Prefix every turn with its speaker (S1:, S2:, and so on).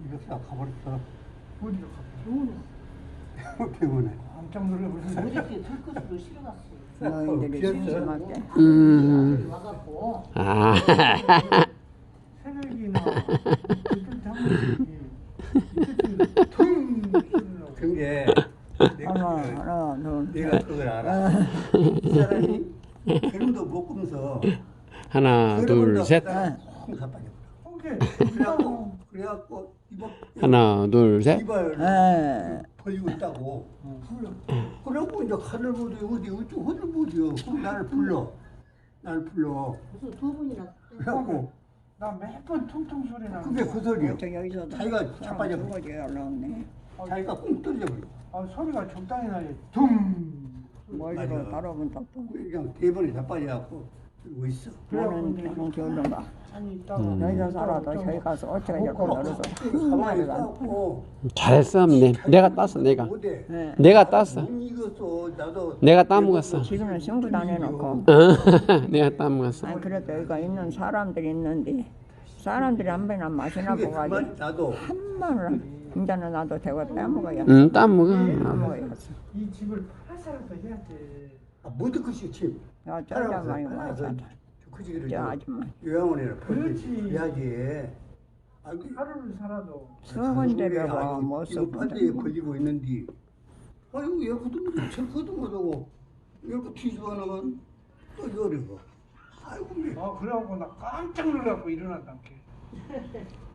S1: 이렇게 가버렸어.
S2: 어디로 가?
S1: 병원에.
S2: 깜짝 놀라버렸네.
S3: 어저께 들것으로 실어갔어.
S4: 너희들이
S1: 비었어.
S4: 심심하게.
S3: 와갖고
S5: 아.
S2: 새벽이나 이틀 장면이 퉁 쏘려고.
S1: 그게
S4: 하나, 둘,
S1: 내가 그걸 알아. 이 사람이 기름도 못 굽면서
S5: 하나, 둘, 셋.
S1: 홍사 빠져.
S2: 홍게.
S1: 그래갖고 이거
S5: 하나, 둘, 셋.
S1: 이발
S4: 에.
S1: 벌리고 있다고. 그러고 이제 하늘 보지 어디 하늘 보지요. 그럼 나를 불러.
S3: 무슨 두 분이나
S1: 그래갖고
S2: 나 매번 퉁퉁 소리 나는
S1: 그게
S2: 거야.
S1: 그 소리야.
S4: 또 여기서도
S1: 자기가 자빠져 버려.
S4: 죽어지 올라오네.
S1: 자기가 꽁 떨어져 버려.
S2: 아, 소리가 적당히 나지. 퉁.
S4: 멀리로
S1: 맞아.
S4: 바라본다 또.
S1: 그냥 대번에 자빠져갖고 그러고 있어.
S4: 너는 그냥 겨울인가.
S2: 아니 있다가
S4: 여기서 살아도 저기 가서 어쩌고 저쩌고 놀아서 한 마리가 안
S1: 가고
S5: 잘했어. 내가 땄어, 내가.
S1: 못해.
S4: 네.
S5: 내가 땄어.
S1: 못 익었어. 나도
S5: 내가 따먹었어.
S4: 지금은 승부도 안 해놓고.
S5: 내가 따먹었어.
S4: 아니 그래도 여기가 있는 사람들이 있는데 사람들이 한 번이나 마시나
S1: 그게
S4: 보가지고
S1: 그만 나도
S4: 한 번을 이제는 나도 대고 떼먹어야
S5: 따먹어.
S4: 떼먹어야지.
S2: 이 집을 팔아서라도 해야 돼.
S1: 모두 것이 집.
S4: 야 쩌자 많이
S1: 팔아서
S4: 먹었다.
S1: 그 집을
S4: 저 아줌마
S1: 요양원에
S2: 그렇지.
S1: 해야지. 아이고,
S2: 하루를 살아도
S4: 수건대 배워
S1: 아이고,
S4: 못
S1: 이거
S4: 썼거든.
S1: 판대에 걸리고 있는데 아이고 얘거도 못하고 첼거도 못하고 이렇게 뒤집어 놓으면 또 이거 어려워. 아이고
S2: 그래갖고 나 깜짝 놀라고 일어났단 게.